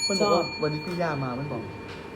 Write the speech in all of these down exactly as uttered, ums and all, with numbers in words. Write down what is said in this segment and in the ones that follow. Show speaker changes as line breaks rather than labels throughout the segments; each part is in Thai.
มันบอกว่าวันนี้พี่ย่ามามันบอก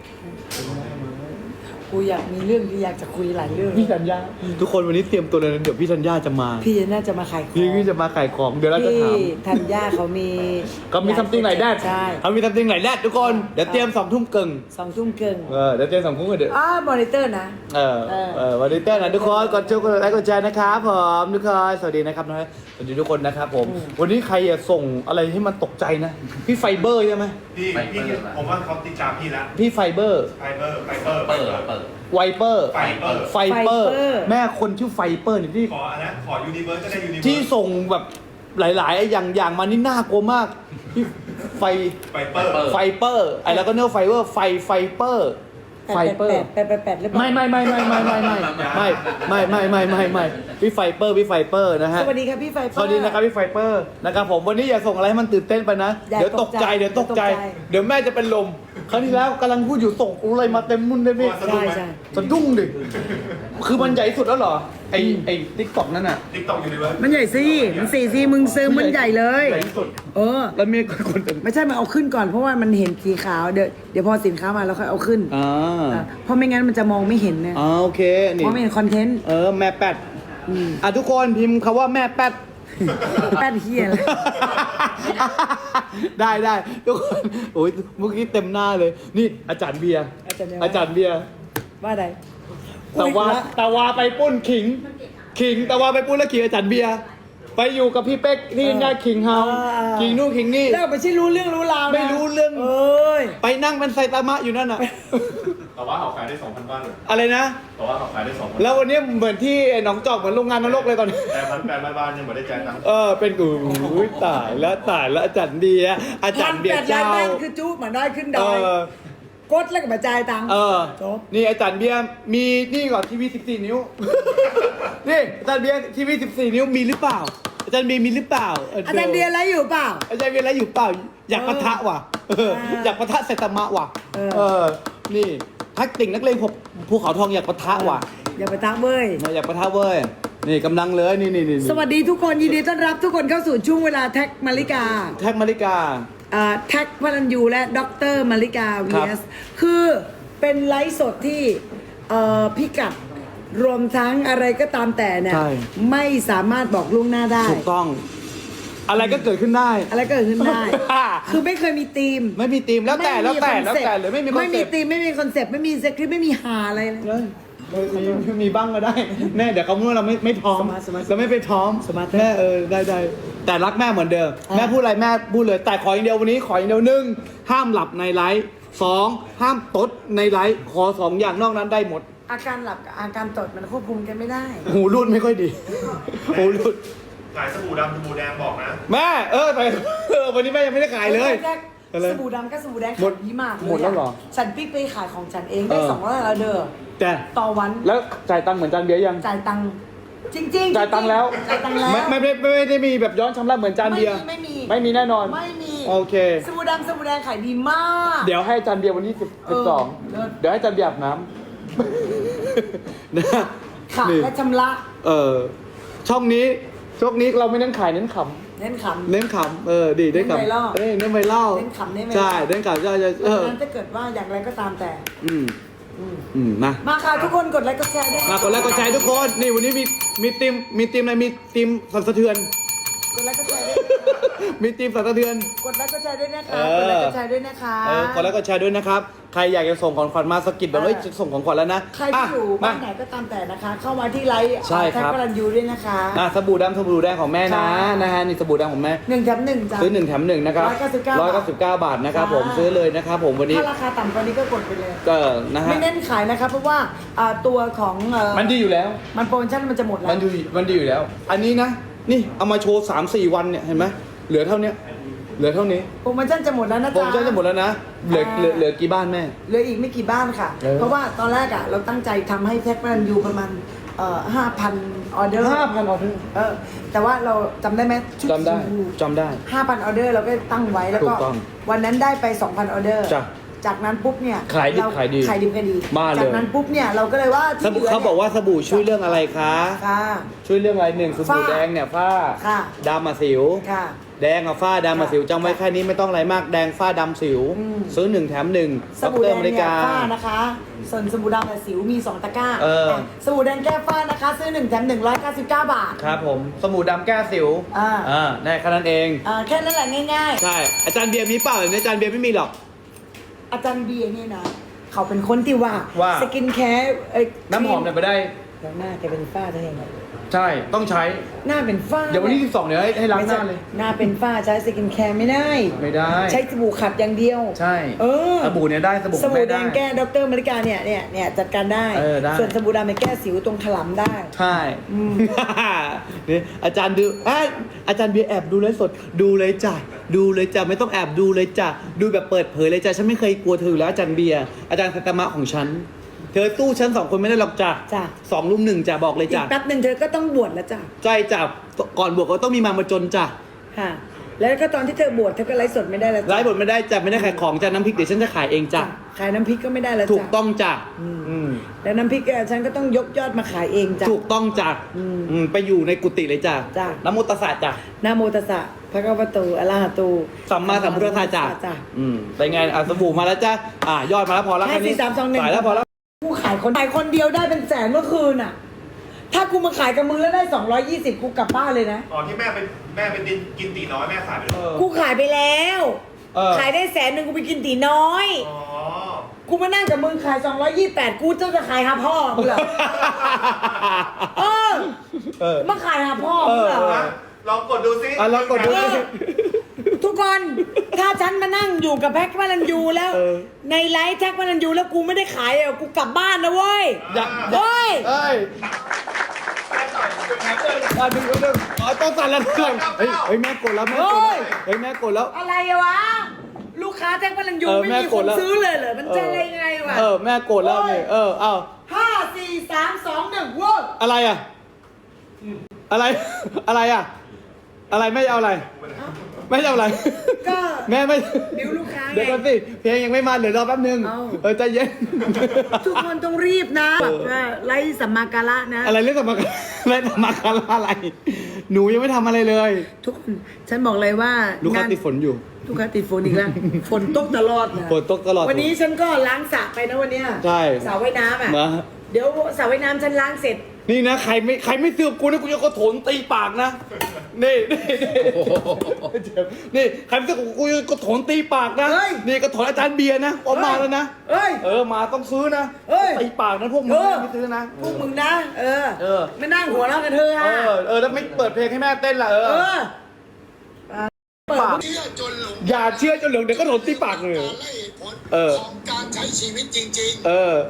กูอยากมีเรื่องที่อยากจะคุยหลายเรื่อง
พี่ธัญญาทุกคนวันนี้เตรียมตัวเลยนะเดี๋ยวพี่ธัญญาจะมา
พี่น่าจะมาขายของ
พี่พี่จะมาขายของเดี๋ยวเราจะถาม
พี่ธัญญาเขามี
ก็มีซัมติงไหนแดด
ใช่
เขามีซัมติงไหนแดดทุกคนเดี๋ยวเตรียมสองทุ่มเกิง
สองทุ่มเกิน
เออเดี๋ยวเตรียมสองทุ่มเดี๋ยว
อ้ามอนิเตอร์นะ
เออ
เออ
เออวันนี้เต้นนะทุกคนกดช่วยกดไลค์กดแชร์นะครับผมทุกคนสวัสดีนะครับน้อยสวัสดีทุกคนนะครับผมวันนี้ใครอะส่งอะไรให้มันตกใจนะพี่ไฟเบอร์ใช่ไหม
พี่พี่ผมว่าเขาติดตามพี่แล้ว
พี่ไฟเบอร์
ไฟเบอร์ไฟเบอร์
เปิดเปิด
ไวเปอร์
ไฟเบอร์
ไฟเปอร์แม่คนชื่อไฟเปอร์เนี่ยที่
ขออันนั้นขอยูนิเวิร์สก็ได้ยูนิเวิร์ส
ที่ส่งแบบหลายๆอย่างอย่างมานี่น่ากลัวมากพี่ไฟ
ไฟเปอร์
ไฟเปอร์ไอ้แล้วก็เนื้อไฟเบอร์ไฟไฟเปอร์ไฟเปอร์
แปดแปดแปดหรือเปล่า
ไม่ไม่ไม่ไม่ไม่ไม่ไม่ไม่ไม่ไม่ไม่ไม่ไม่พี่ไฟเปอร์พี่ไฟเปอร์นะฮะ
สวัสดีครับพี่ไฟเปอร์
สวัสดีนะครับพี่ไฟเปอร์นะครับผมวันนี้อย่าส่งอะไรให้มันตื่นเต้นไปนะ
อย่า
เดี๋ยวตกใจ
ตกใจ
เดี๋ยวตกใจ
ตกใจ
เดี๋ยวแม่จะเป็นลมครั้งที่แล้วกำลังพูดอยู่ส่งอะไรมาเต็มมุ่นเลยพี่
ใช่ใช่
สะดุ้งดิคือมันใหญ่สุดแล้วเหรอไอไอติ๊กต็อกนั่นน่ะ
ติ๊กต็อกยูนิเวิร์ส
มันใหญ่สิมันสี่สิมึงซื้อมันใหญ่เลย
ใหญ่ที่สุด
เออ
แล้วมีคนเป็น
ไม่ใช่มันเอาขึ้นก่อนเพราะว่ามันเห็นสีขาวเดี๋ยวเดี๋ยวพอสินค้ามาแล้วค่อยเอาขึ้น
อ่า
อ่ะเพราะไม่งั้นมันจะมองไม่เห็นนะ
อ่าโอเคนี่
เพราะไม่เห็นคอนเทนต์
เออแม่แปดอ่ะทุกคนพิมพ์คำว่าแม่แปด
แป้นเฮียเลย
ได้ได้ทุกคนโอ้ยเมื่อกี้เต็มหน้าเลย นี่อาจารย์เบียร์
อาจารย์เบียร์
อาจารย์เบียร์
ว่าใด
ตะวาตะวาไปปุ้นขิง ขิงตะวาไปปุ้นแล้วขิงอาจารย์เบียร์ไปอยู่กับพี่เป๊กที่หน้าขิงเฮาขิงนู่นขิงนี่
แล้วไม่ใช่รู้เรื่องรู้ราวนะ
ไม่รู้เรื่อง
เอ้ย
ไปนั่งเป็นไซตามะอยู่นั่นน่ะ
แต่ว่าเขาขายได้สองพันบ้านเลย
อะไรนะ
แต่ว่าเขาขายได้สองพัน
แล้ววันนี้เหมือนที่หนองจอกเหมือนโรงงานนรกเลยตอนนี้
แต่พันแปดบ้านยังไม่ได้จ่ายตังค์
เออเป็นกูอุ๊ยตายแล้วตายแล้วอาจารย์เบียร์อาจารย์เบียร์
พันแปดล้า
เจ้าน
บาทคือจุ๊บเหมือนได้ขึ้นด
เอ
อย
อ
กดแล้วก็มาจ่ายตังค์
เออ
จบ
นี่อาจารย์เบียร์มีนี่ก่อนทีวีสิบสี่นิ้ว นี่อาจารย์เบียร์ทีวีสิบสี่นิ้วมีหรือเปล่า อาจารย์เบียร์มีหรือเปล่า
อาจารย์เบียร์อะไรอยู่เปล่า
อาจารย์เบียร์อะไรอยู่เปล่า อยากปะทะว่ะเอออยากปะทะไซตามะว่ะ
เออ
เออ นี่ทักติ่งนักเลงผมภูเขาทองอยากปะทะว่ะ
อย่าไปทักเว้ย
อยากปะทะเว้ย นี่กำลังเลยนี่นี่นี่
สวัสดีทุกคนยินดีต้อนรับทุกคนเข้าสู่ช่วงเวลาแท็กมาริกา
แท็กมาริกา
อ่าแท็กพลันยูและด็อกเตอร์มาริกา
ครั
วี
บ
เอสคือเป็นไลฟ์สดที่เอ่อพิกัดรวมทั้งอะไรก็ตามแต่เนี่ย
ใช่
ไม่สามารถบอกล่วงหน้าได้
ถูกต้อง อะไรก็เกิดขึ้นได้
อะไรก็เกิดขึ้นได้ คือไม่เคยมีธีม
ไม่มีธีมแล้วแต่แล้วแต่
ไม่มี
แล้วแต่หรือไม่มีคอน
ไม่
เซ็
มี
ปต์
ธีมไม่มีคอนเซปต์ไม่มีสคริปต์ไม่มีหาอะไรเลย
เอ้ยมีมีมีบ้างก็ได้แม่เดี๋ยวเขาพูดว่าเราไม่ไม่พร้อม
สมาร์ทสมาร์ท
เราไม่ไปพร้อม
สมาร์ท
แม่เออได้ได้แต่รักแม่เหมือนเดิม
อ่า
แม่พูดอะไรแม่พูดเลย แต่ขออย่างเดียววันนี้ขออย่างเดียวหนึ่งห้ามหลับในไลฟ์สองห้ามตดในไลฟ์ขอสองอย่างนอกนั้นได้หมด
อาการหลับกับอาการตดมันควบคุมกันไม่ได้
หูรูดไม่ค่อยดี หูรูด
ขายสบู่ดำสบู่แดงบอกนะ
แม่เออแต่เออวันนี้แม่ยังไม่ได้ขายเลย
แรก
อะไร
สบู่ดำก็สบู่แดง
หมด
ขายดีมากเลย
หมดแล้วเหรอ
ฉันปิ๊กไปขายของฉันเองได้
เออ
สองร้อยแล้วเด้อ
แต่
ต่อวัน
แล้วจ่ายตังค์เหมือนจานเบียร์ยัง
จ่ายตังค์จริงๆ
จ่ายตังค์แล้ว
จ่ายตังค์แล้ว
ไม่ไม่ไม่ไม่ไม่ได้มีแบบย้อนชำระเหมือนจานเบียร์
ไม่มี
ไม่มีแน่นอน
ไม่มี
โอเค
สบู่ดำสบู่แดงขายดีมาก
เดี๋ยวให้จานเบียร์วันที่สิบ
เอ
สิบ
อ
สอง
เลิศ
เดี๋ยวให้จานเบียร์อาบน้ำ นะ
ค่ะ
นี่
และชำระ
เออช่องนี้ช่องนี้เราไม่เน้นขายเน้นข
เน้นข
ำเน้นขำเออดีเน้นขำ
เน้นไวรัล
เอ้ยเน้นไวรัล
เน้นขำเน้นไวรัล
ใช่เน้นขำใช่ใช่
ำ
เออ
ดังนั้นถ้าเกิดว่าอย่างไรก็ตามแต่
อืม
อืม
อืมมา
มาค่ะทุกคนกดไลค์กดแชร์ด้วย
มากดไลค์กดแชร์ทุกคนนี่วันนี้มีมีทีมมีทีมอะไรมีทีมสั่นสะเทือน
กดไลค์กดแชร์ด้วย
มีทีมสั่นสะเทือน
กดไลค์กดแชร์ด้วยนะคะ
เออก
ดไลค์กดแชร์ด้วยนะคะ
เออกดไลค์กดแชร์ด้วยนะครับใครอยากจะส่งของขวัญมาสะกิดแบบเฮ้ยจะส่งของขวัญแล้วนะ
ใครที่อยู่
มา
บ้านไหนก็ตามแต่นะคะ เข้ามาที่ไลฟ์
ใช่ครับ
แท็กพลันยูด้วยนะคะ
อ่ะสบู่ดำสบู่แดงของแม่นะ
ค่ะ
นะฮะนี่สบู่แดงของแม่
หนึ่งแถมหนึ่งจ้ะ
ซื้อหนึ่งแถมหนึ่งนะครับ
ร้อยเก้าสิบเก้า
ร้อยเก้าสิบเก้าบาทนะครับ
ค่ะ
ผมซื้อเลยนะครับผมวันนี้
ถ้าราคาต่ำกว่านี้ก็กดไปเลย
ก็นะฮะ
ไม่เน้นขายนะคะเพราะว่าอ่าตัวของเอ่อ
มันดีอยู่แล้ว
มันโปรโมชั่นมันจะหมดแล้
มั
วน
ดีมันดีอยู่แล้ว อันนี้นะ นี่เอามาโชว์สามสี่วันเนี่ยเห็นไหมเหลือเท่านี้เหลือเท่านี้
โปรโมชั่นจะหมดแล้วนะ
โปร
จ๊ะ
โมชั่นจะหมดแล้วนะเหลือ
อ่า
เหลือเหลือกี่บ้านแม่
เหลืออีกไม่กี่บ้านค่ะ
เออ
เพราะว่าตอนแรกอ่ะเราตั้งใจทำให้แท็กพลันยูประมาณเอ่อห้าพันออเดอร์
ห้าพันออเดอร์
เออแต่ว่าเราจำได้ไหมชุ
จำได้จำได้
ห้าพันออเดอร์เราก็ตั้งไว้แล้ว
ถู
ก็
กต้อง
วันนั้นได้ไปสองพันออเดอร์
จ้ะ
จากนั้นปุ๊บเนี่ย
ขายดิบ
เร
ขายดี
ขายดิบขายดี
มาเลย
จากนั้นปุ๊บเนี่ยเราก็เลยว่า
สบู่เขาบอกว่าสบู่ช่วยเรื่องอะไรคะ
ค่ะ
ช่วยเรื่องอะไรหนึ่งสบู่
ฝ้า
แดงเนี่ยฝ้า
ค่ะ
ดำมาสิว
ค่ะ
แดงกับฝ้าดำกับสิวจำไว้แค่นี้ไม่ต้องอะไรมากแดงฝ้าดำสิว ซื้อหนึ่งแถมหนึ่ง
สบู่แดง
อเมริ
เนี่ย
กา
ฝ้านะคะส่วนสบู่ดำกับสิวมีสองตะกร้า
เออ
สบู่แดงแก้ฝ้านะคะ ซื้อหนึ่งแถมหนึ่งร้อยเก้าสิบเก้าบาท
ครับผมสบู่ดำแก้สิว
อ่า
อ่าได้แค่นั้นเอง
อ่าแค่นั้นแหละง่าย
ใช่อาจารย์เบียร์มีเปล่าเนี่ยอาจารย์เบียร์ไม่มีหรอก
ๆ อาจารย์เบียร์เนี่ยนะ เขาเป็นคนที่ว่า
ว่า
สกินแคร์เอ้ย
น้ำหอมเนี่ยไปได้
แล้วหน้าแกเป็นฝ้าได้ยังไง
ใช่ต้องใช้
หน้าเป็นฝ้า
เดี๋ยววันที่สิบสองเดี๋ยวให้ให้ล้างหน้าเลย
หน้าเป็นฝ้าใช้สกินแคร์ไม่ได้
ไม่ได้
ใช้สบู่ขัดอย่างเดียว
ใช่
เออ
สบู่เนี่ยได้สบู่
สบู่
ไม่
แด
ได้
งแก้ดรอเมริกาเนี่ยเนี่ยเนี่ยจัดการได้
เออได้
ส่วนสบู่ดำเนี่ยแก้สิวตรงถลำได้
ใช่
อืม
นี่อาจารย์ดูอ่ะอาจารย์เบียร์แอบดูเลยสดดูเลยจ้ะดูเลยจ้ะไม่ต้องแอบดูเลยจ้ะดูแบบเปิดเผยเลยจ้ะฉันไม่เคยกลัวเธออยู่แล้วอาจารย์เบียร์อาจารย์สัตมะของฉันเธอสู้ฉันสองคนไม่ได้หรอกจ้ะ
จ้ะ
สองลุมหนึ่งจ้ะบอกเลย
อี
จ้ะ
กแป๊บหนึ่งเธอก็ต้องบวชแล้วจ้ะ
ใจจ้ะก่อนบวกก็ต้องมีมามาจนจ้ะ
ค่ะ แล้วก็ตอนที่เธอบวชเธอก็ไลฟ์สดไม่ได้แล้วจ้ะ
ไลฟ์บทไม่ได้จ้ะไม่ได้ขายของจ้ะน้ำพริกเดี๋ยวฉันจะขายเองจ้ะ
ขายน้ำพริกก็ไม่ได้แล้วจ้ะ
ถูกต้องจ้ะอืม
แล้วน้ำพริกฉันก็ต้องยกยอดมาขายเองจ้ะ
ถูกต้องจ้ะ
อืม
อืมไปอยู่ในกุฏิเลยจ้ะ
จ้ะ
น้ำมุตสาจ้ะ
นะโมตัสสะพระคัมภโตอะระหะโต
สัมมาสัมพุทธะจ้ะ
จ้ะ
อืมเป็นไงอ่ะสบู่มาแล้วจ้ะอ่ะยอดมาแล้วพอแล้ว
ให้
แค่นี้
สี่สามสองหนึ่ง
สายแล้วพอแล้ว
กูขายคนขายคนเดียวได้เป็นแสนเมื่อคืนอ่ะ ถ้ากูมาขายกับมึงแล้วได้สองร้อยยี่สิบกูกลับบ้านเลยนะ
ตอนที่แม่ไปแม่ไปกินกินตีน้อยแม่ขายไปเลย
กูขายไปแล้ว
เออ
ขายได้แสนหนึ่งกูไปกินตีน้อย
อ๋อ
กูมานั่งกับมึงขายสองร้อยยี่สิบแปดกูจะจะขายหาพ่อมึงเหรอ เออ
เออ
มาขายหาพ่อมึงเหรอ
นะลองกดดูซิ
อ่ะลองกดดู
เออทุกคน ถ้าฉันมานั่งอยู่กับแพ็กพลันยูแล้ว
เออ
ในไลฟ์แท็กพลันยูแล้วกูไม่ได้ขายอ่ะกูกลับบ้านนะเว้ย
อยาก
เฮ้ย
เอ้ยอ่ะดึงดึงดึงอ๋อต้องสั่นแล้วก่อนเฮ้ยเฮ้ยแม่กดแล้วแม่กดแล้วเฮ้ยแม่กดแล้ว
อะไรอะวะ ลูกค้าแท็กพลันยู
เออ
ไม่
แม่
มี
ก
ค
ด
น
แล้ว
ซื้อเลยเหรอมันจะอะไรยังไงวะ
เออแม่กดแล้วนี่เออเอ้า
ห้าสี่สามสองหนึ่งเว้ย
อะไรอ่ะอะไร อะไรอ่ะ อะไรไม่เอาอะไร ไม่เอาอะไร
ก็
แม่ไม่
ดิวลูกค้าไง
เดี๋ยวก่อนสิเพลงยังไม่มาเดี๋ยวรอแป๊บนึง
เอา
เออใจเย็น
ทุกคนต้องรีบนะแบบว่าไล่สัมมาการะนะ
อะไรเรื่องสมการอะไรสมการอะไร หนูยังไม่ทำอะไรเลย
ทุกคนฉันบอกเลยว่า
ลูกค้าง
น
ติดฝนอยู่
ลูกค้าติดฝนอีกแล้ว ฝนตกตลอดนะ
ฝนตกตลอด
วันนี้ฉันก็ล้างสระไปนะวันเนี้ย
ใช่
สระว่ายน้ำอ่ะ
มา
เดี๋ยวสระว่ายน้ำฉันล้างเสร็จ
นี่นะใครไม่ใครไม่เสือกกูนะกูจะกระโถนตีปากนะ นี่นี่นี่นี่ใครไม่เสือกกูจะกระโถนตีปากนะ
เฮ้ย
นี่กระโถนอาจารย์เบียร์นะออกมาแล้วนะ
เอ้ย
เออมาต้องซื้อนะ
เอ้ย
ตีปากนะพวกมึง
เออ
ไม่ซื้อนะ
พวกมึงนะ เออ
เออ
ไม่นั่งหัวเราะกันเธอะ
เอ
ฮะ
อเออแล้วไม่เปิดเพลงให้แม่เต้นล่ะเอ
เอ
อ
อเปิด
ปากอย่าเชื่อจนเหลืองเดี๋ยวก็โดนตีปากเลย เออ
ของการใช้ชีวิตจริง
เออ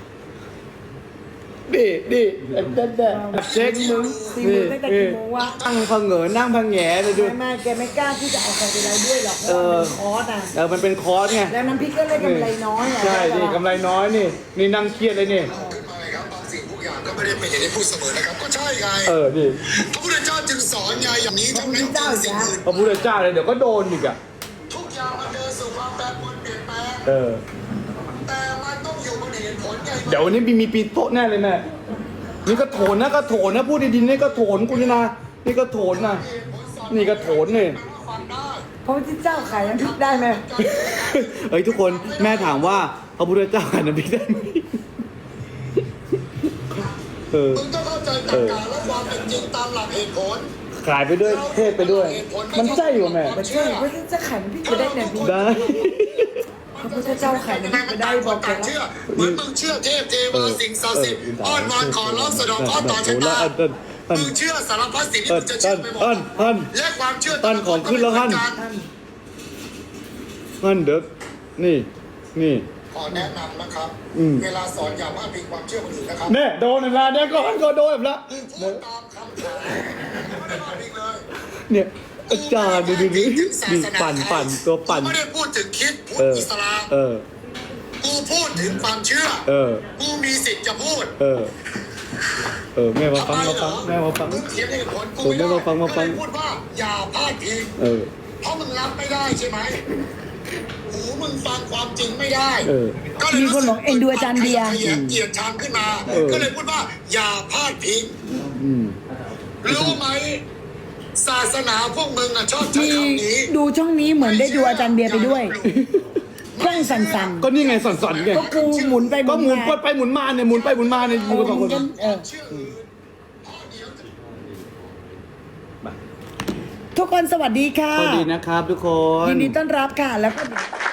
ดิดิเด็ดเด็ดเด็ดเช็คมึง
สี่โมงตั้งแต่กี่โมงวะ
นั่งพังเหงอนั่งพังแหงเลยดู
ไม่ไม่แกไม่กล้าที่จะเอาใครไปไลฟ์ด้วยหรอกเพ
เอ
ราะ
อ
ว่ามันคอร์สอ่ะ
เออมันเป็นคอร์สไง
แล้วน้ำพริกก็เลยกำไรน้อยอ่ะ
ใช่ดิกำไรน้อยนี่ นี่นั่งเครียดเลยนี่
ๆ ขึ้นมาเลยครับบางสิ่งทุกอย่างก็ไม่ได้เป็นอย่างที่พูดเสมอนะครับ ก็ใช่ไง
เออดิ
พระพุทธเจ้าจึงสอนไงอย่างนี้เท่านั้นจึงสิ่งอื่น
พระพุทธเจ้าเลยเดี๋ยวก็โดนอีกอ่ะ
ทุกอย่างมันเดินสู่ความแปรปรวนเปลี่ยนแปลง
เออ
แต่มันต้องอยู่บนเหตุผลไง
เดี๋ยววันนี้มีมีปีโต๊ะแน่เลยแม่นี่ก็โถนนะก็โถนนะพูดดีๆนี่ก็โถนกูนี่นะนี่ก็โถนนะนี่ก็โถนนี่
ฟังได้
พระพุทธเจ้าขายน้ำพริกได้ไหม
เฮ้ยทุกคนแม่ถามว่าพระพุทธเจ้าขายน้ำพริกได้ไหมเออ
มึงต้องเข้าใจหลักการและความเป็นจริงตามหลักเหตุผล
ขายไปด้วยเทศไปด้วย มันใช่อยู่แม่
ไม่ใช่พระพุทธเจ้าขายน้ำพริกไปได้เนี่ยพี่
ได้
พระพุทธเจ้าขายน้ำพริกไปได้บอกแก
ต่าง
แล้
เชื่อ
ว
เหมือนมึงเชื่อเทพเทวาสิ่งศักดิ์สิทธิ์อ้อนวอนขอร้องสะเดอกข้อต่อชะตามึงเชื่อสารพัดสิ่งที่มึงจะเชื่อไปหมด
ท่านท่าน
และความเชื่อ
ท่านของขึ้นแล้วท่าน นั่นเด็กนี่นี่
ขอแนะนำนะครับ
อืม
เวลาสอนอย่าพลาดพิงความเชื่อคนอื่นนะครับ
แน่โดนเวลาเนี่ยก่อนก็โดนแล้ว
พูดตามคำถามไม่ได้พลาดพิงเลย
เนี่ยอาจารย์ดูดูดู
ถึงศา
ดู
สนา
ปั่นปั่นตัวปั่น
กูไม่ได้พูดถึงคริดพูด
เออ
อิสลาม
เออ
กูพูดถึงความเชื่อ
เออ
กูมีสิทธิ์จะพูด
เออ เออแม่มาฟัง
ทำไม
มา
เหร
ฟั
อง
แม่มาฟัง
มึงเถียงเหตุผลกู
ผมไม่
ไม่ได้
มาฟังมาฟัง
ก็เลยพูดว่าอย่าพลาดพิง
เออ
เพราะมึงรับไม่ได้ใช่ไหมหูมึงฟังความจริงไม่ได้
เออ
ก็เลย
มีคนบอกเอ็นดูอาจารย์เบียร์
เกลียดชังขึ้นมา
เออ
ก็เลยพูดว่าอย่าพลาดพิง
อืม
รู้ไหมศาสนาพวกมึงอ่ะชอบใช้
มี
คำนี้
ดูช่องนี้เหมือนได้ดูอาจารย์เบียร์ไปด้วยเครื่องสั่นๆ
ก็นี่ไงสอนๆไง
ก็กูหมุนไป
ก็หมุน
มา
ไปหมุนมาเนี่ยหมุนไปหมุนมาเนี่ย
เอ
อยู่
อ
กันสอง
ห
ค
มุ
น
นกันเออ
เชื่ออื่นพ่อเดียวจะ
ทุกคนสวัสดีค่ะ
สวัสดีนะครับทุกคน
ยินดีต้อนรับค่ะ แล้วก็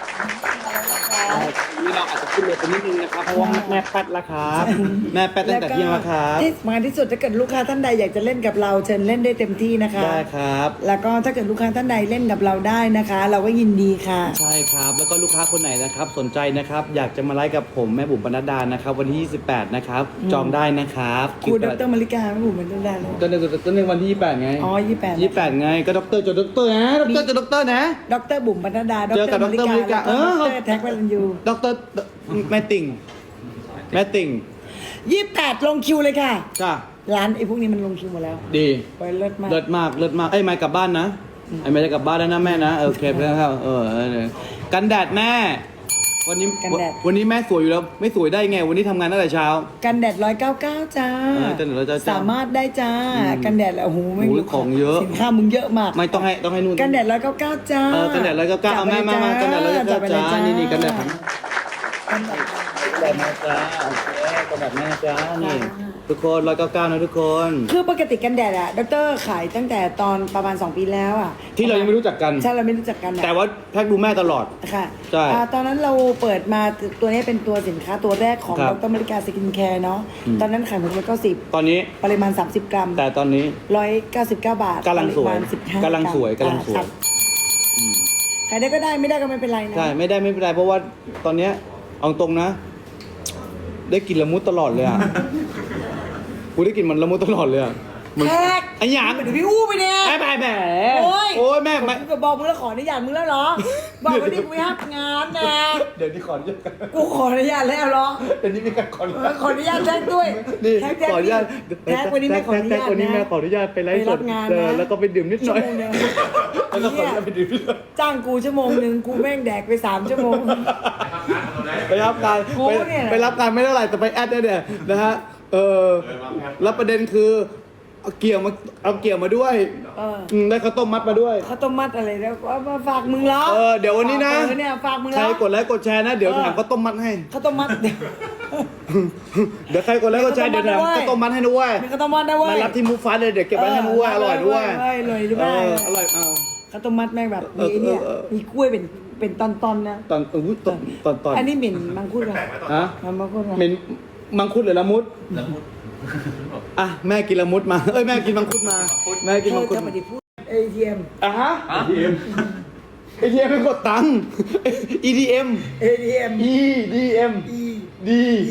นี่เราอาจจะขึ้นเลยไปนิดนึงนะครับเพราะว่าแม่แป๊ดแล้วครับแม่แป๊ดตั้งแต่เที่ยงแล้วครับ
ที่สำคัญที่สุดถ้าเกิดลูกค้าท่านใดอยากจะเล่นกับเราเชิญเล่นได้เต็มที่นะคะ
ได้ครับ
แล้วก็ถ้าเกิดลูกค้าท่านใดเล่นกับเราได้นะคะ เราก็ยินดีค่ะ
ใช่ครับแล้วก็ลูกค้าคนไหนนะครับสนใจนะครับอยากจะมาไลฟ์กับผมแม่บุ๋มปนัดดานะครับวันที่ยี่สิบแปดนะครับจองได้นะครับ
ครูดรมาริกาไม่บุ๋มเป็นต้นได้เลย
ตอนในตอนในวันที่ยี่สิบแปดไง
อ๋อยี่สิบแปด
ยี่สิบแปดไงก็ด็อกเตอร์จดด็อกเตอร์นะด็อกเตอร์จดด็อกเตอร์นะ
ดรบุ๋มปนัดดาด
เจอกับ
รมาริ
ดรมาริ
กาก
า
แล้วก็
เออ
ดรแท็กวรันยู
ด็อกเตอร์แม่ติ่งแม่ติ่ง
ยี่สิบแปดลงคิวเลยค่ะ
จ้า
ร้านไอ้พวกนี้มันลงคิวหมดแล้ว
ดี
ไปเลิศมาก
เลิศมากเลิศมากไอ้ยไม่กลับบ้านนะไอ้ไม่จะกลับบ้านแล้วนะแม่นะเออโอเคแล้วครับเออเออเออกันแดดแม่ วันนี้วันนี้แม่สวยอยู่แล้วไม่สวยได้ไง วันนี้ทำงานตั้งแต่เช้า
กันแดดร้อยเก้าเก้าจ้า
เออกันแดดร้อยเก้าเก้า
สามารถได้จ้า กันแดดแล้วโอ้โหไม่
โอ้ย
รู้
ของเยอะ
สินค้ามึงเยอะมาก
ไม่ต้องให้ต้องให้นู่น
กันแดดร้อยเก้าเก้าจ้า
เออกันแดดร้อยเก้าเก้าเอาแม่มามากันแดดร้อยเก้า
จับไปเลย
เก้าจ้านี่นี่กันแดดของ
กันแดด
กันแดดแม่จ้าโอเคกันแดดแม่จ้านี่ทุกคนร้อยเก้าเก้านะทุกคน
คือปกติกันแดดอะดรขายตั้งแต่ตอนประมาณสองปีแล้วอะ
ที่เรายังไม่รู้จักกัน
ใช่เราไม่รู้จักกันอะ
แต่ว่าแพ็กดูแม่ตลอด
ค่ะ
ใช่
อ่าตอนนั้นเราเปิดมาตัวนี้เป็นตัวสินค้าตัวแรกของ
ครั
ด
บ
รมาริกาสกินแคร์เนาะ
อืม
ตอนนั้นขายหมดเลยก็สิบ
ตอนนี้
ปริมาณ สามสิบ กรัม
แต่ตอนนี้
ร้อยเก้าสิบเก้าบาท
กำลังสวย
ปริมาณสิบห้าก
ำลังสวย
รัม
กำลังสวย
อ่าครับขายได้ก็ได้ไม่ได้ก็ไม่เป็นไรนะ
ใช่ไม่ได้ไม่เป็นไรเพราะว่าตอนเนี้ยเอาตรงนะ ได้กลินละมุดตลอดเลยอ่ะ กูได้กลินมันละมุดตลอดเลยอ่ะมัน
แท็ก
ไอ้หยาง
เดี๋ยวพี่อู้ไปเนี่ย
แม่แม่แม่
โอ้ย
โอ้ยแม่แม่
กูก็บอกมึงแล้วขออนุญาตมึงแล้วเหรอ บอกว่านี่กูไม่ห้ามงานนะ
เดี๋ยวนี้ขออนุญาต
กูขออนุญาตแล้วเหรอ
เดี๋ยวนี้มีการขออนุ
เอ
ญา
อ
ต
ขออนุญาตแท็กด้วย
นี่
แท็กแท็ก
ขออนุญาต
แท็กวันนี้แม่ขออนุญาต
แท็กวันนี้แม่
นะ
ขออนุญาตไปไลฟ์
ไป
ส
รั
ด
บงาน
เออ
นะ
แล้วก็ไปดื่มนิดห
ชั่
น่
ว
อย
โมงเดียว
แล้วก็ขออนุญาตไปดื่มนิดหน่อย
จ้างกูชั่วโมงหนึ่งกูแม่งแดกไปสามชั่วโมง
ไปรับการ
กู
ไป
เนี่ย
ไปรับการไม่เท่าไหร่แต่ไปแอดเนี่ยเนี่ยนะฮะเออแล้วประเด็นคือเอาเกี่ยวมาเอาเกี่ยวมาด้วย
เออ
อืมได้ข้าวต้มมัดมาด้วย
ข้าวต้มมัดอะไรแล้วเอามาฝากมึงเหรอ
เออเดี๋ยววันนี้นะ
เออเนี่ยฝากมึงเห
ใค
ร
ร
อก
ดไลค์กดแชร์นะ เดี๋ยว
เออ
ถามข้าวต้มมัดให้
ข้าวต้มมัดเดี๋ยว
เดี๋ยวใครกดไลค์กดแชร์
มี
เดี๋ยว
ข้าวต้มมัด
ถาม
ด้วย
ข้าวต้มมัดให้ด้วย
มีข้าวต้มมัดนะเว้
มาย รับที่มูฟฟ้าเลยเดี๋ยวเก็บไว้ให้ด้วยอร่อยด้วย
เอออร่อยด้วย
เอออร่อยเอา
ข้าวต้มมัดแม่งแบบ
เอ
มี
อ
เนี่ย
เออเออ
มีกล้วยเป็นเป็นตอนๆนะ
ตอนอุ้ยตอนตอนตอน
อันนี้เหม็นมังคุดเหรอ
แปลกไหมตอน
ฮะ
มันมังคุดเหรอ
เหม็นมังคุดหรือละมุดอ่ะแม่กินละมุดมาเอ้ยแม่กินมังคุดมาแม่กิน
เธ
มั
อง
คุด
จะ
มา
มาดิพูดเอทีเอ็ม
อ่ะฮะ เอ ที เอ็ม เอ ที เอ็ม ไม่กดตังค์ อี ดี เอ็ม
เอทีเอ็ม
E D M
อี
D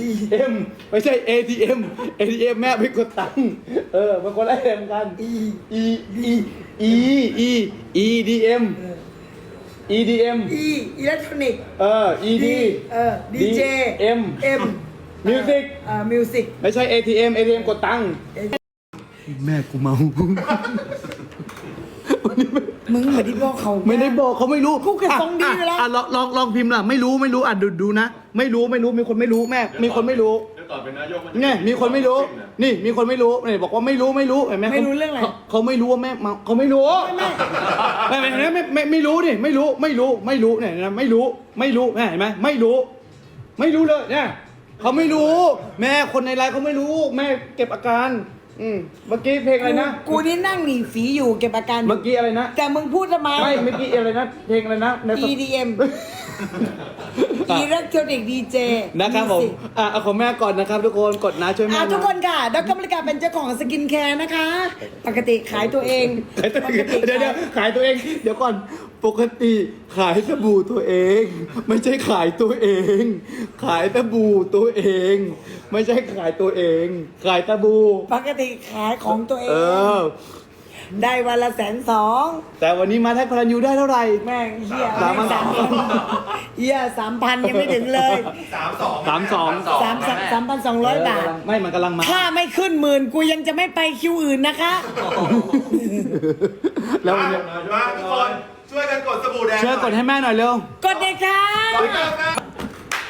M ไม่ใช่ เอ ที เอ็ม เอ ที เอ็ม แม่ไม่กดตังค์เออมันคนละเอ็มกัน
อี
E E E E E D M E D M
อีอิเล็กทรอนิกส์
เออ E D
เออดีเจ
M
เอ็ม
Music
อ่ามิวสิก
ไม่ใช่ เอ ที เอ็ม เอ ที เอ็ม กดตังค์แม่กูเมา
มึงเหมือนที่บอกเขา
ไม่ได้บอกเขาไม่รู้
กูเก็บทรงดีอยู่แล้ว
อ่ะลองลองลองพิมพ์ล่ะไม่รู้ไม่รู้อ่ะดูดูนะ ไม่รู้ไม่รู้มีคนไม่รู้แม่ มีคนไม่รู้
เดี๋ยวก่อนเป็นนายกมัน
เนี่ยมีคนไม่รู้ นี่มีคนไม่รู้เนี่ยบอกว่าไม่รู้ไม่รู้เห็นไหม
ไม่รู้เรื่องอะไร
ขาเขาไม่รู้ว่าแม่เมาเขาไม่รู้ไม่ไม่ไม่ไม่ไม่ไม่รู้นี่ไม่รู้ไม่รู้ไม่รู้เนี่ยนะไม่รู้ไม่รู้แม่เห็นไหมไม่รู้ ไม่รู้เลยเนี่ยเขาไม่รู้ แม่คนในไลน์เขาไม่รู้ แม่เก็บอาการอืมเมื่อกี้เพลงอะไรนะ
กูกูนี่นั่งหนีฝีอยู่เก็บอาการอยู่
เมื่อกี้อะไรนะ
แต่มึงพูดทำไม
ไม่เมื่อกี้อะไรนะเพลงอะไรนะใน
อี ดี เอ็ม อิเล็กทรอนิกส์ดีเจ
นะครับผมอ่ะเอาของแม่ก่อนนะครับ ทุกคนกดนะช่วยแม่
อ่ะ
นะ
ทุกคนค่ะดรบริการเป็นเจ้าของสกินแคร์นะคะ ปกติขายตัวเอง
ขายตัว
ป
เอก ง
ติ
เดี๋ยวเดี๋ยวขายตัวเอง เดี๋ยวก่อนปกติขายสบู่ตัวเอง ไม่ใช่ขายตัวเอง ขายสบู่ตัวเอง ไม่ใช่ขายตัวเอง ขายสบู่
ปกติขายของตัวเอ
เอง อ
ได้วันละแสนสอง
แต่วันนี้มาแท็กพลันยูได้เท่าไหร่
แม่งเฮีย
สามพัน
สามพันเฮียสามพันยังไม่ถึงเลย
สามสอง
สามสอง
สามสามสามพันสองร้อยบาท
ไม่มันกำลังมา
ถ้าไม่ขึ้นหมื่นกูยังจะไม่ไปคิวอื่นนะคะ
แล้ว
มา
วันนี้
มาทุกคนช่วยกันกดสบู่แดง
ช่วยกดให้แม่หน่อยเร็ว
กดเลยค่ะ
กดเลยนะ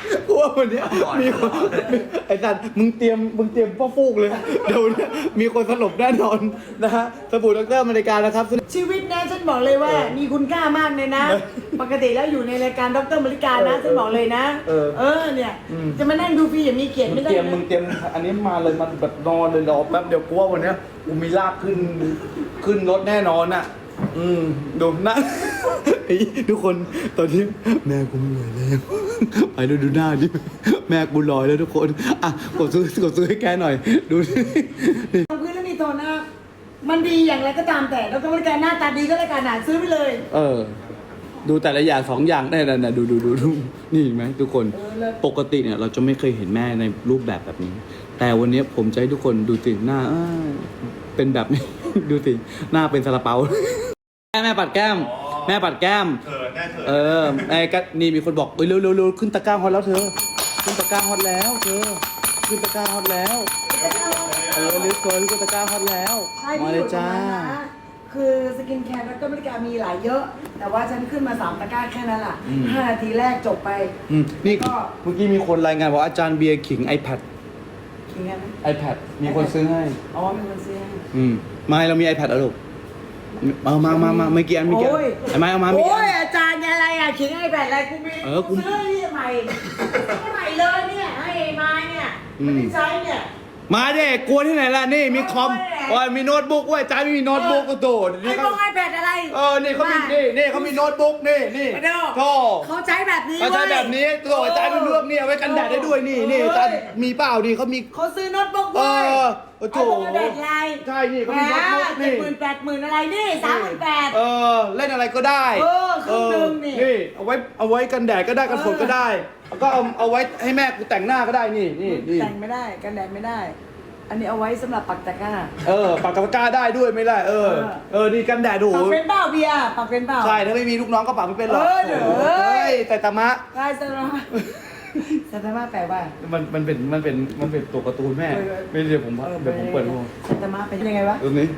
กูว่าวันเนี้ยมีคนไอ้สัตว์มึงเตรียมมึงเตรียมพ่อฟูกเลยเดี๋ยวเนี้ยมีคนสลบแน่นอนนะฮะสบู่ดรอเมริกานะครับ
ชีวิตนะฉันบอกเลยว่า มีคุณค่ามากเลยนะ ปกติแล้วอยู่ในรายการดรมริกานะฉันบอกเลยนะ
เออ
เออเนี่ย จะมานั่งดูฟรีอย่างมีเกียรติ
มึ
ไม่
ง
ได้
เตรียม
นะ
มึงเตรียมอันนี้มาเลยมันแบบนอนเลยรอแป๊บเดี๋ยวกูว่าวันเนี้ยกูมีลากขึ้นขึ้นรถแน่นอนอ่ะ อืมดูหน้า ไอ้ทุกคนตอนนี้แม่กูไม่ไหวแล้วไปดูดูหน้าดิแม่กูลอยแล้วทุกคนอ่ะกดซื้อกดซื้อให้แกหน่อย ดูดิ
พื้นแล้วนี่โทนนะมันดีอย่างไรก็ตามแต่ดรมริกาหน้าตาดีก็แล้วกันหนาซื้อไปเลย
เออ ดูแต่ละอย่างสองอย่างได้นะดูดูดูดูนี่เห็นไหมทุกคน
เออเลิศ
ปกติเนี่ยเราจะไม่เคยเห็นแม่ในรูปแบบแบบนี้ แต่วันนี้ผมจะให้ทุกคนดูสิหน้าเอ้ยเป็นแบบนี้ ดูสิหน้าเป็นซาลาเปา แม่แม่ปัดแก้ม แม่ปัดแก้ม
เขินแน่เขิน
เออไอ้ก็นี่มีคนบอกเอ้ยเร็วเร็วเร็วขึ้นตะกร้าฮอตแล้วเธอ ขึ้นตะกร้าฮอตแล้วเธอ ขึ้นตะกร้าฮอตแล้วเออลิสต์ตัวขึ้นตะกร้าฮอตแล้ว
ใช่
มา
ที่
เล
อย ยู่ตรง
จ้า
นั้นนะคือสกินแคร์ดรมริกามีหลายเยอะ แต่ว่าฉันขึ้นมาสามตะกร้าแค่นั้นแหละ
อืม
ห้านาทีแรกจบไป
อืมนี่
ก็
เมื่อกี้มีคนรายงานว่าอาจารย์เบียร์ขิง iPad
คิงไงไหม
iPad มีคนซื้อให้
อ๋อมีคนซื้อให้
อืมไม่เรามี iPad อ่ะลูกเอามามามาไม่กี่อันไม่กี่อัน
โอ้ย
ไอ้ไม้เอามาไม่กี่
โอ้
อั
ย
น
อาจารย์อะไรอ่ะขิงไอ้แบบอะไรกูมี
เออกู
ซื้อนี่ใหม่ใหม่เลยเนี่ยให้ไอ้ไม้เนี่ยไม่ได้ใช้เนี่ย
มาเด็กกลัวที่ไหนล่ะนี่มีคอม
โอ้ย
โอ้ยมีโน้ตบุ๊กเว้ยอาจารย์ไม่มีโน้ตบุ๊กก็โดด
ไอ้
นี่
พ
เขา
วกไอ้แบดอะไร
เออนี่เขามีนี่นี่เขามีโน้ตบุ๊กนี่นี่
มาดู
โธ่
เขาใช้แบบนี้
เขาใช้แบบนี้โธ่อาจารย์เป็นเรื่องนี่เอาไว้กันแดดได้ด้วยนี่นี่อาจารย์มีเปล่าดีเขามี
เขาซื้อโน้ตบุ๊ก
เอ
เว้ย
อโอ้โถ
ไอ้พวกไอ้แบดอะไร
ใช่นี่เขามีโน้ตบุ๊ก
เจ็
นี่
ดหมื่นแปดหมื่นอะไรนี่สามหมื่นแปด
เออเล่นอะไรก็ได้
เออเครื่องนึงนี่
เออนี่เอาไว้เอาไว้กันแดดก็ได้กันฝนก็ได้แล้วก็เอาเอาไว้ให้แม่กูแต่งหน้าก็ได้นี่นี่นี่
แต่งไม่ได้กันแดดไม่ได้ อันนี้เอาไว้สำหรับปักตะกร้า
เออปากกาปากกาได้ด้วยไม่ได้เออ
เออ
เออนี่กันแดดดู
ปักเป็นเปล่าเบียร์ปักเป็นเปล่า
ใช่ถ้าไม่มีลูกน้องก็ปากไม่เป็นหรอก
เออเดี๋ยว
โอ้ยแต่ตามะ
ใช่สตาร์สตาร์แปลว่า
มันมันเป็นมันเป็นมันเป็นตัวการ์ตูนแม่
เออ
ไม่เดี๋ยวผมเดี๋ยวผมเปิดดู
สตาร์เป็นยังไงวะ
ตรงนี้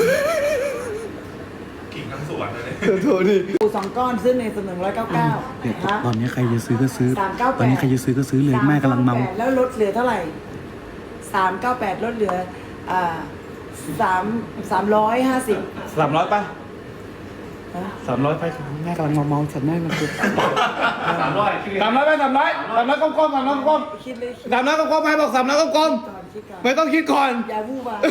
กิ่งทั้งสวนเลย
โทษนี่
ปูสองก้อนซื้อในสนึ่งร้อยเก้าเก้า
เนี่ยตอนนี้ใครจะซื้อก็ซื้อ
สามเก้าแปด
ตอนนี้ใครจะซื้อก็ซื้อเลยแม่กำลังเมา
แล้วลดเหลือเท่าไหร่สามเก้าแปดลดเหลืออ่าสามสามร้อยห้าสิบ
สามร้อยป่ะสามร้อยไปแม่กำลังเมาเมาฉันแม่มันคือ
สามร้อย
สามร้อยไปสามร้อยสามร้อยก้มๆสามร้อยก้ม
คิดเลย
ๆสามร้อยก้มๆให้บอกสามร้อยก้ม
ก่อนคิดก่อน
ๆไม่ต้องคิดก่อน
อย่าวูบวาม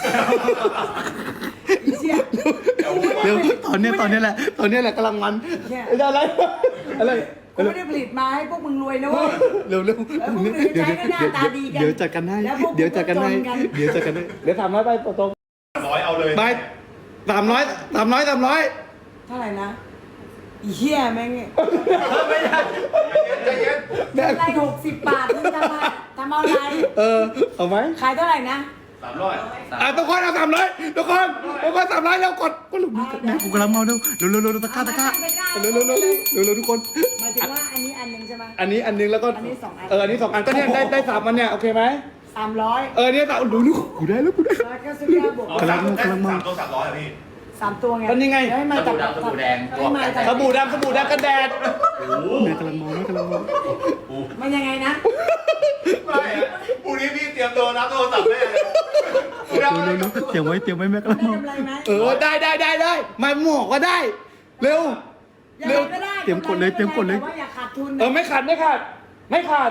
อีเชี่ย
เดี๋ยวตอนเนี้ยตอนเนี้ยแหละตอนเนี้ยแหละกำลังมัน
แค่
อะไรอะไร
กูไม่ได้ผลิตมาให้พวกมึงรวยนะเว้ย
เร็วเร็ว
แล้วพวกมึง
เดี๋ยว
ใช้ก็หน้าตาดีกัน
เดี๋ยวจัดกันให้
แล้วพวกมึง
เดี๋ยวจัดกันให้
ก็จนกัน
เดี๋ยวจัดกันให้เดี๋ยวสามร้อยไปตรง
ร้อยเอาเลย
ๆไปสามร้อยสามร้อยสามร้อย
เท่าไหร่นะอีเหี้ยแม่งเนี่ย
ไม่ได้
ใจเย็น
แม่
อะไรหกสิบบาทมึงทำอะไรทำเอาอะไร
เออเอาไหม
ขายเท่าไหร่นะ
สามร้อย
อ่ะทุกคนเอาสามร้อยทุกคนทุกคนสามร้อยแล้วกดก็หลุดแม่กูกำลังเมาเร็วเร็วเร็วเร็วตะกร้าตะกร้าเร็วเร็วเร็วเร็วเร็วเร็วทุกคน
หมายถึงว่าอันนี้อันหนึ่งใช่ไหม
อันนี้อันนึงแล้วก็
อันนี้สองอัน
เอออันนี้สองอันก็เนี่ยได้ได้สามอันเนี่ยโอเคไหม
สามร้อย
เออเนี่ยสามดูดูกูได้แล้วกูได้
ร้อยเก้าสิบเก้าบวก
กำลัง
ได้สามตัวสามร้อยอ่ะพี่
สามตัวไง
ก็นี่ไง
เดี๋ยวให้มาจาก
สบู่ดำสบู่แดง
ให้มาจาก
สบู่ดำสบู่ดำกันแดดแม่กำลังเมาแม่กำลังเมา
มันยังไงนะ
ไม่อะพรุ่งนี้พี่เตรียมตัวรับโทรศัพท์แม่เลย
เร็วเร็วเร็วเตรียมไว้เตรียมไว้แม่กำลัง
ได้
เมาก
ำไรไหม
เออได้ได้ได้ได้มาหมวกก็ได้ เร็ว
ยัง
เร็
ไง
ว
ก็ได้
เตรียมกดเลยเตรียมกดเลย
แต่ว่าอย่าขาดทุน
เออไม่ขาดไม่ขาดไม่ขาด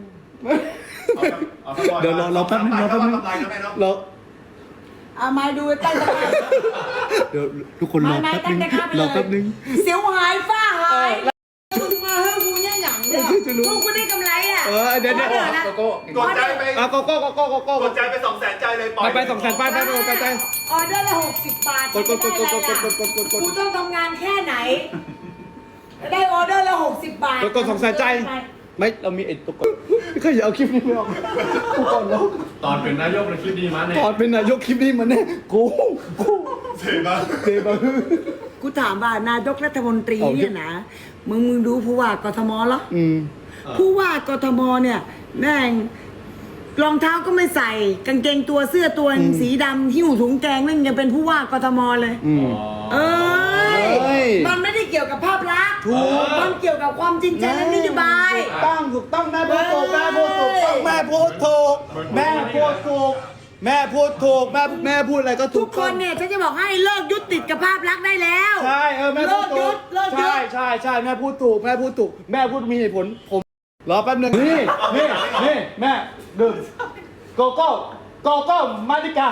เดี๋ยวรอรอแป๊บนึงรอแป๊บนึง
กำไรนะแม่เนาะ
รอ
เอามาดูตั้งแต่
เดี๋ยวทุกคนรอ
ไม่
แป๊บนึง
ตั้งแต่ข้ามไป
ร
เล
อย แป๊บนึง
เสียวหายฝ้าหายมึงมาเฮ้ยกูเนี่ยหยังเนี่ย
จะรู้
พวกกูได้กำไรอ่ะ
เออเดี๋ยวเดี๋ยว
ออนะ
กดใจไป
อ่ะโกโก้โกโก้โกโก้
กดใจไปสองแสนใจเลยปล่
ไป
อย
ไปสองแสนไปไปไปไปไป
ออเดอร์ละหกสิบบาท
กดกดกดกดกดกดกดกดกดกด
กูต้องทำงานแค่ไหน ได้ออเดอร์ละหกสิบบาท
กดกดสองแสนใจไม่เรามีไอ้ตัวกดไม่เคยอย่าเอาคลิปนี้ไปออกกูก่อนแล้ว
ตอนเป็นนายกในคลิปดีมาเนี่ย
ก่อนเป็นนายกคลิปนี้มันแน่กูกู
เสียบ้าง
เซบะ
กูถามว่านายกรัฐมนตรี
เอา
เนี่ยนะ มึงมึงดูผู้ว่ากทมเหรอ
อืม
ผู้ว่ากทมเนี่ยแม่งรองเท้าก็ไม่ใส่ กางเกงตัวเสื้อตัวสีดำหิ้วถุงแกงนั่นยังเป็นผู้ว่ากทมเลย
อืม
เอ้ย
เอ้ย
มันไม่ได้เกี่ยวกับภาพลักษณ์
ถูก
มันเกี่ยวกับความจริงใจและนโยบาย
ถูกต้องถูกต้องแม่พูดถูกแม่พูดถูกต้องแม่พูดถูกแม่พูดถูกแม่พูดถูกแม่แม่พูดอะไรก็ถู
ทุ
ก
กคนเนี่ยฉันจะบอกให้เลิกยึดติดกับภาพลักษณ์ได้แล้ว
ใช่เออแม่พูดถูก
เลิกยึดเลิกยึด
ใช่ใช่ใช่แม่พูดถูกแม่พูดถูกแม่พูดมีเหตุผลผมรอแป๊บนึงนี่นี่นี่แม่ดื่มโกโก้โกโก้มาดิกา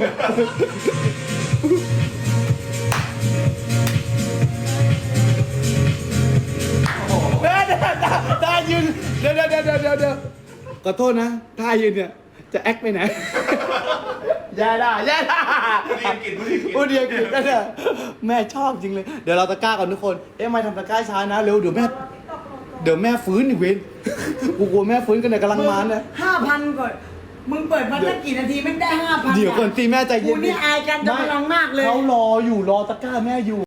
แม่เดี๋ยวท่ายืนเดี๋ยวเดี๋ยวเดี๋ยวเดี๋ยวเดี๋ยวขอโทษนะท่ายืนเนี่ยจะแอคไปไหนอย่าด่าอย่าด่า
ผู้ดีกินผู้ดีกิน
พูดเดียวกันก็ได้แม่ชอบจริงเลย เดี๋ยวเราตะกร้าก่อนทุกคน เอ๊ะไม่ทำตะกร้าช้านะเร็วเดี๋ยวแม่เดี๋ยวแม่ฟื้นอีกเว้นกูกลัวแม่ฟื้นกันเนี่ยกำลังมาเนี่ย
ห้าพันก่อนมึงเปิดมาตั้งกี่นาทีไม่ได้ห้าพัน
เดี๋ยวก่อนตีแม่ใจเย็น
กูนี่อายกันจะพลังมากเลย
เขารออยู่รอตะกร้าแม่อยู่